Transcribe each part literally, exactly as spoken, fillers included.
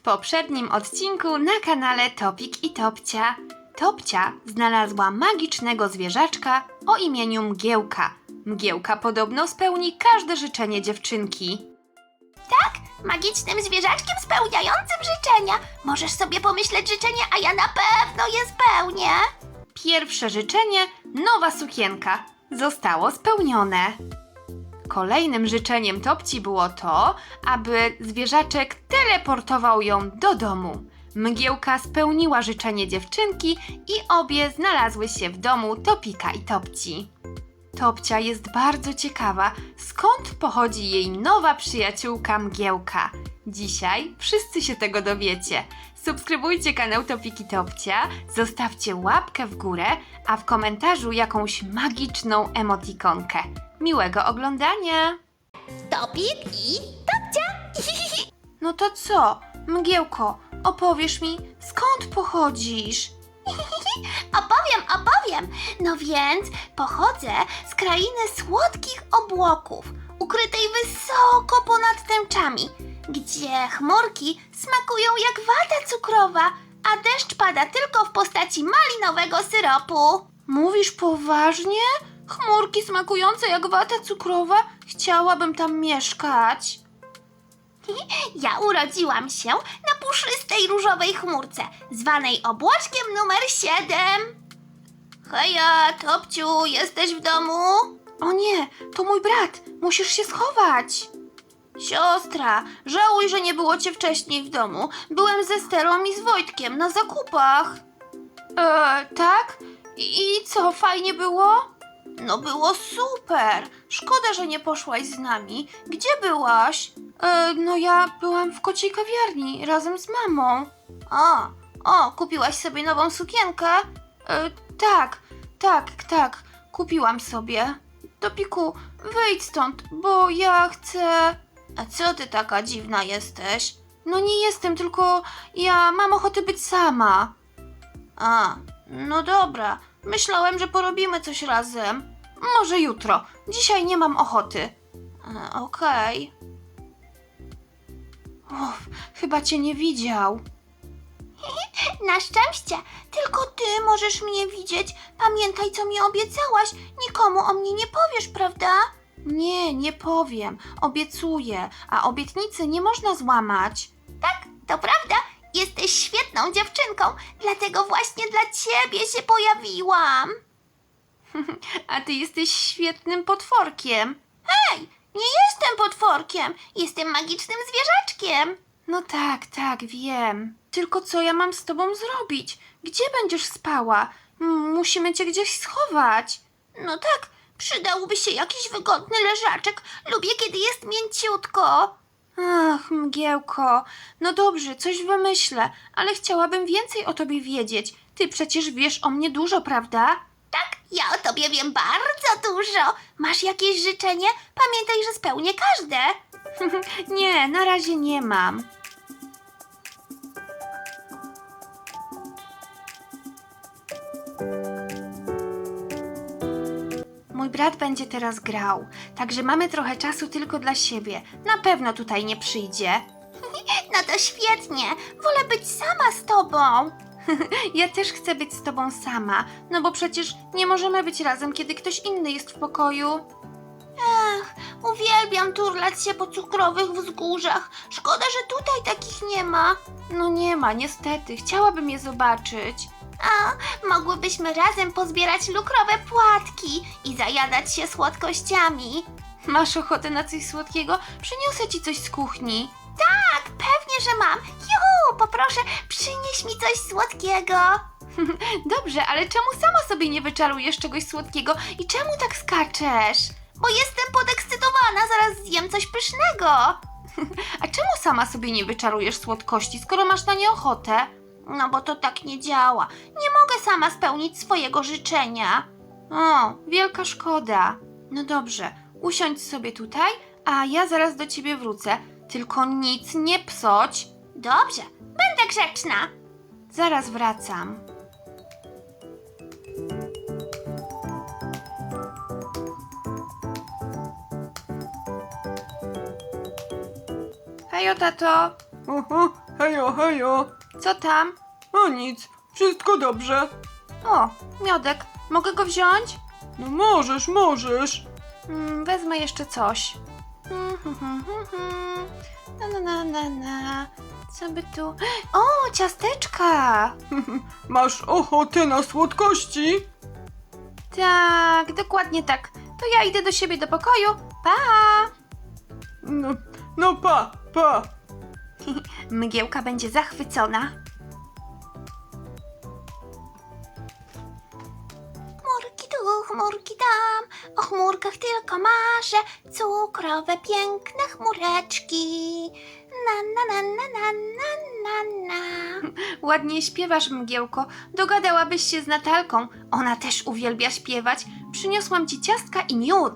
poprzednim odcinku na kanale Topik i Topcia. Topcia znalazła magicznego zwierzaczka o imieniu Mgiełka. Mgiełka podobno spełni każde życzenie dziewczynki. Tak, magicznym zwierzaczkiem spełniającym życzenia. Możesz sobie pomyśleć życzenie, a ja na pewno je spełnię. Pierwsze życzenie, nowa sukienka, zostało spełnione. Kolejnym życzeniem Topci było to, aby zwierzaczek teleportował ją do domu. Mgiełka spełniła życzenie dziewczynki i obie znalazły się w domu Topika i Topci. Topcia jest bardzo ciekawa, skąd pochodzi jej nowa przyjaciółka Mgiełka. Dzisiaj wszyscy się tego dowiecie. Subskrybujcie kanał Topik i Topcia, zostawcie łapkę w górę, a w komentarzu jakąś magiczną emotikonkę. Miłego oglądania! Topik i Topcia. No to co, Mgiełko, opowiesz mi, skąd pochodzisz? Opowiem, opowiem. No więc pochodzę z krainy słodkich obłoków, ukrytej wysoko ponad tęczami, gdzie chmurki smakują jak wata cukrowa, a deszcz pada tylko w postaci malinowego syropu. Mówisz poważnie? Chmurki smakujące jak wata cukrowa? Chciałabym tam mieszkać. Ja urodziłam się na puszystej różowej chmurce, zwanej obłoczkiem numer siedem. Heja, Topciu, jesteś w domu? O nie, to mój brat, musisz się schować. Siostra, żałuj, że nie było cię wcześniej w domu. Byłem ze Sterą i z Wojtkiem na zakupach. E, tak? I, I co, fajnie było? No było super. Szkoda, że nie poszłaś z nami. Gdzie byłaś? E, no ja byłam w kociej kawiarni razem z mamą. O, o, kupiłaś sobie nową sukienkę? E, tak, tak, tak, kupiłam sobie. Topiku, wyjdź stąd, bo ja chcę... A co ty taka dziwna jesteś? No nie jestem, tylko ja mam ochotę być sama. A, no dobra. Myślałem, że porobimy coś razem. Może jutro. Dzisiaj nie mam ochoty. E, Okej. Uff, chyba cię nie widział. Na szczęście, tylko ty możesz mnie widzieć. Pamiętaj, co mi obiecałaś. Nikomu o mnie nie powiesz, prawda? Nie, nie powiem. Obiecuję, a obietnicy nie można złamać. Tak, to prawda. Jesteś świetną dziewczynką, dlatego właśnie dla ciebie się pojawiłam. A ty jesteś świetnym potworkiem. Hej, nie jestem potworkiem. Jestem magicznym zwierzaczkiem. No tak, tak, wiem. Tylko co ja mam z tobą zrobić? Gdzie będziesz spała? M- Musimy cię gdzieś schować. No tak, przydałby się jakiś wygodny leżaczek. Lubię, kiedy jest mięciutko. Ach, Mgiełko. No dobrze, coś wymyślę, ale chciałabym więcej o tobie wiedzieć. Ty przecież wiesz o mnie dużo, prawda? Tak, ja o tobie wiem bardzo dużo. Masz jakieś życzenie? Pamiętaj, że spełnię każde. Nie, na razie nie mam. Mój brat będzie teraz grał, także mamy trochę czasu tylko dla siebie. Na pewno tutaj nie przyjdzie. No to świetnie. Wolę być sama z tobą. Ja też chcę być z tobą sama, no bo przecież nie możemy być razem, kiedy ktoś inny jest w pokoju. Ach, uwielbiam turlać się po cukrowych wzgórzach. Szkoda, że tutaj takich nie ma. No nie ma, niestety, chciałabym je zobaczyć. A, mogłybyśmy razem pozbierać lukrowe płatki i zajadać się słodkościami. Masz ochotę na coś słodkiego? Przyniosę ci coś z kuchni. Tak, pewnie, że mam. Juhu, poproszę, przynieś mi coś słodkiego. Dobrze, ale czemu sama sobie nie wyczarujesz czegoś słodkiego i czemu tak skaczesz? Bo jestem podekscytowana, zaraz zjem coś pysznego. A czemu sama sobie nie wyczarujesz słodkości, skoro masz na nie ochotę? No bo to tak nie działa. Nie mogę sama spełnić swojego życzenia. O, wielka szkoda. No dobrze, usiądź sobie tutaj, a ja zaraz do ciebie wrócę. Tylko nic nie psoć. Dobrze, będę grzeczna. Zaraz wracam. Hejo, tato. Oho, Hejo, hejo. Co tam? O nic, wszystko dobrze. O, miodek. Mogę go wziąć? No możesz, możesz. Mm, wezmę jeszcze coś. Mm, hmm, hmm, hmm, hmm. Na, na, na, na, na. Co by tu... O, ciasteczka! Masz ochotę na słodkości? Tak, dokładnie tak. To ja idę do siebie do pokoju. Pa! No, no pa, pa. Mgiełka będzie zachwycona. Chmurki tu, chmurki tam, o chmurkach tylko marzę, cukrowe, piękne chmureczki. Na, na, na, na, na, na, na, na. Ładnie śpiewasz, Mgiełko. Dogadałabyś się z Natalką. Ona też uwielbia śpiewać. Przyniosłam ci ciastka i miód.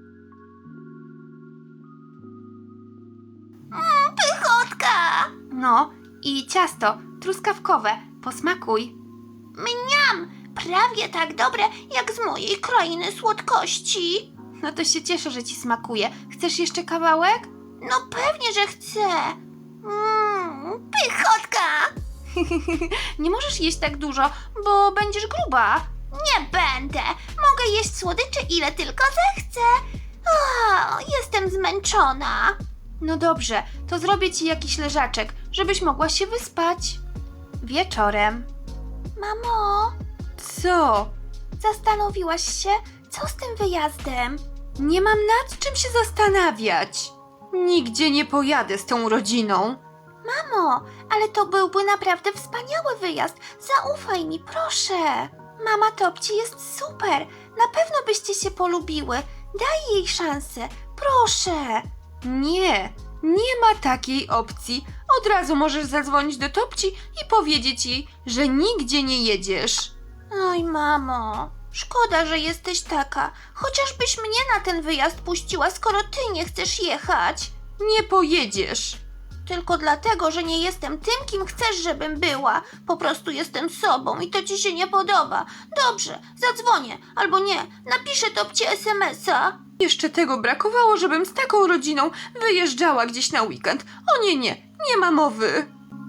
Pychotka! No, i ciasto truskawkowe. Posmakuj. Mniam! Prawie tak dobre jak z mojej krainy słodkości. No to się cieszę, że ci smakuje. Chcesz jeszcze kawałek? No pewnie, że chcę. Mmm, pychotka! Nie możesz jeść tak dużo, bo będziesz gruba. Nie będę. Mogę jeść słodycze ile tylko zechcę. O, jestem zmęczona. No dobrze, to zrobię ci jakiś leżaczek, żebyś mogła się wyspać. Wieczorem. Mamo, Co? zastanowiłaś się, co z tym wyjazdem? Nie mam nad czym się zastanawiać. Nigdzie nie pojadę z tą rodziną. Mamo, ale to byłby naprawdę wspaniały wyjazd. Zaufaj mi, proszę. Mama Topci jest super. Na pewno byście się polubiły. Daj jej szansę. Proszę. Nie, nie ma takiej opcji. Od razu możesz zadzwonić do Topci i powiedzieć jej, że nigdzie nie jedziesz. Oj, mamo. Szkoda, że jesteś taka. Chociażbyś mnie na ten wyjazd puściła, skoro ty nie chcesz jechać. Nie pojedziesz. Tylko dlatego, że nie jestem tym, kim chcesz, żebym była. Po prostu jestem sobą i to ci się nie podoba. Dobrze, zadzwonię. Albo nie, napiszę Topci es em es a. Jeszcze tego brakowało, żebym z taką rodziną wyjeżdżała gdzieś na weekend. O nie, nie, nie ma mowy.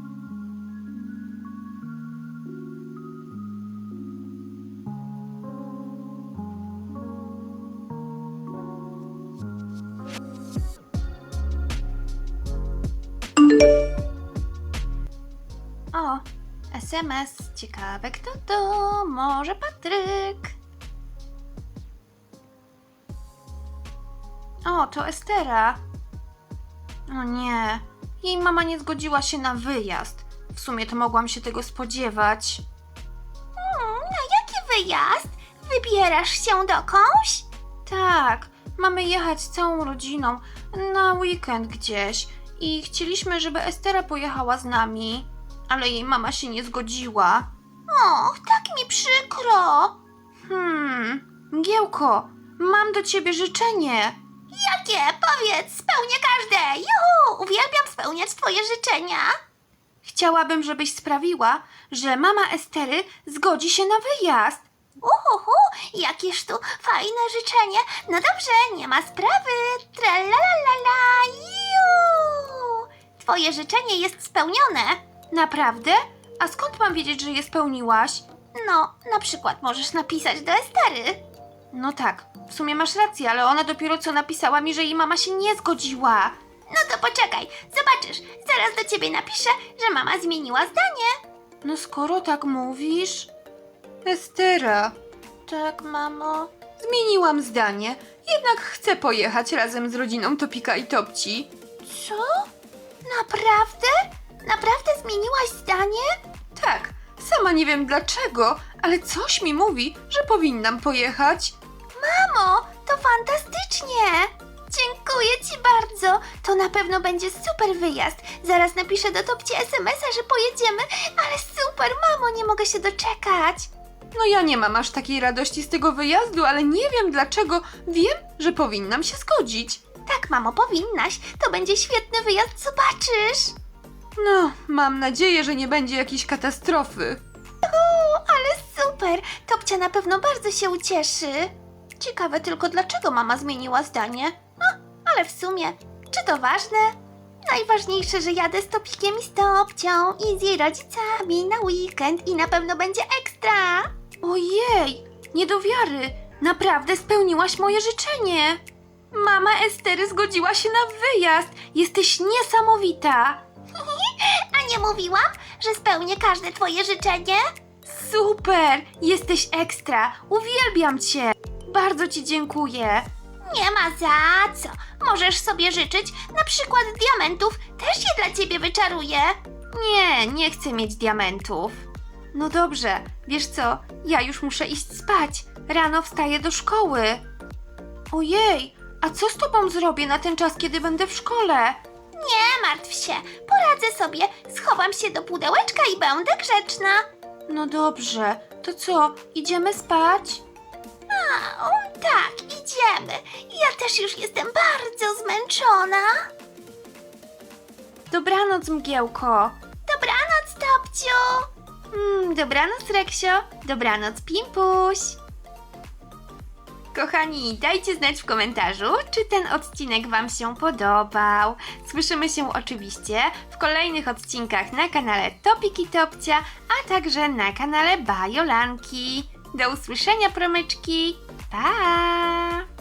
O, es em es. Ciekawe kto to? Może Patryk? O, to Estera. O nie, jej mama nie zgodziła się na wyjazd. W sumie to mogłam się tego spodziewać. Hmm, na jaki wyjazd? Wybierasz się dokądś? Tak, mamy jechać całą rodziną na weekend gdzieś i chcieliśmy, żeby Estera pojechała z nami, ale jej mama się nie zgodziła. Och, tak mi przykro. Hmm, Mgiełko, mam do ciebie życzenie. Jakie? Powiedz, spełnię każde. Juhu, uwielbiam spełniać twoje życzenia. Chciałabym, żebyś sprawiła, że mama Estery zgodzi się na wyjazd. Uhuhu, jakież tu fajne życzenie. No dobrze, nie ma sprawy. Tralalala, ju. Twoje życzenie jest spełnione. Naprawdę? A skąd mam wiedzieć, że je spełniłaś? No, na przykład możesz napisać do Estery. No tak, w sumie masz rację, ale ona dopiero co napisała mi, że jej mama się nie zgodziła. No to poczekaj, zobaczysz. Zaraz do ciebie napiszę, że mama zmieniła zdanie. No skoro tak mówisz... Estera, Tak, mamo. zmieniłam zdanie. Jednak chcę pojechać razem z rodziną Topika i Topci. Co? Naprawdę? Naprawdę zmieniłaś zdanie? Tak, sama nie wiem dlaczego, ale coś mi mówi, że powinnam pojechać. Mamo, to fantastycznie! Dziękuję ci bardzo. To na pewno będzie super wyjazd. Zaraz napiszę do Topci es em es a, że pojedziemy. Ale super, mamo, nie mogę się doczekać. No ja nie mam aż takiej radości z tego wyjazdu, ale nie wiem dlaczego. Wiem, że powinnam się zgodzić. Tak, mamo, powinnaś. To będzie świetny wyjazd, zobaczysz. No, mam nadzieję, że nie będzie jakiejś katastrofy. O, ale super. Topcia na pewno bardzo się ucieszy. Ciekawe tylko, dlaczego mama zmieniła zdanie. No, ale w sumie, czy to ważne? Najważniejsze, że jadę z Topikiem i z Topcią i z jej rodzicami na weekend i na pewno będzie ekstra. Ojej, nie do wiary. Naprawdę spełniłaś moje życzenie. Mama Estery zgodziła się na wyjazd. Jesteś niesamowita. A nie mówiłam, że spełnię każde twoje życzenie? Super, jesteś ekstra. Uwielbiam cię. Bardzo ci dziękuję. Nie ma za co. Możesz sobie życzyć, na przykład diamentów, też je dla ciebie wyczaruję. Nie, nie chcę mieć diamentów. No dobrze, wiesz co, ja już muszę iść spać. Rano wstaję do szkoły. Ojej, a co z tobą zrobię na ten czas, kiedy będę w szkole? Nie martw się, poradzę sobie. Schowam się do pudełeczka i będę grzeczna. No dobrze, to co, idziemy spać? A, o, tak, idziemy. Ja też już jestem bardzo zmęczona. Dobranoc, Mgiełko. Dobranoc, Topciu. Mm, dobranoc, Reksio. Dobranoc, Pimpuś. Kochani, dajcie znać w komentarzu, czy ten odcinek Wam się podobał. Słyszymy się oczywiście w kolejnych odcinkach na kanale Topik i Topcia, a także na kanale Bajolanki. Do usłyszenia, promyczki. Pa!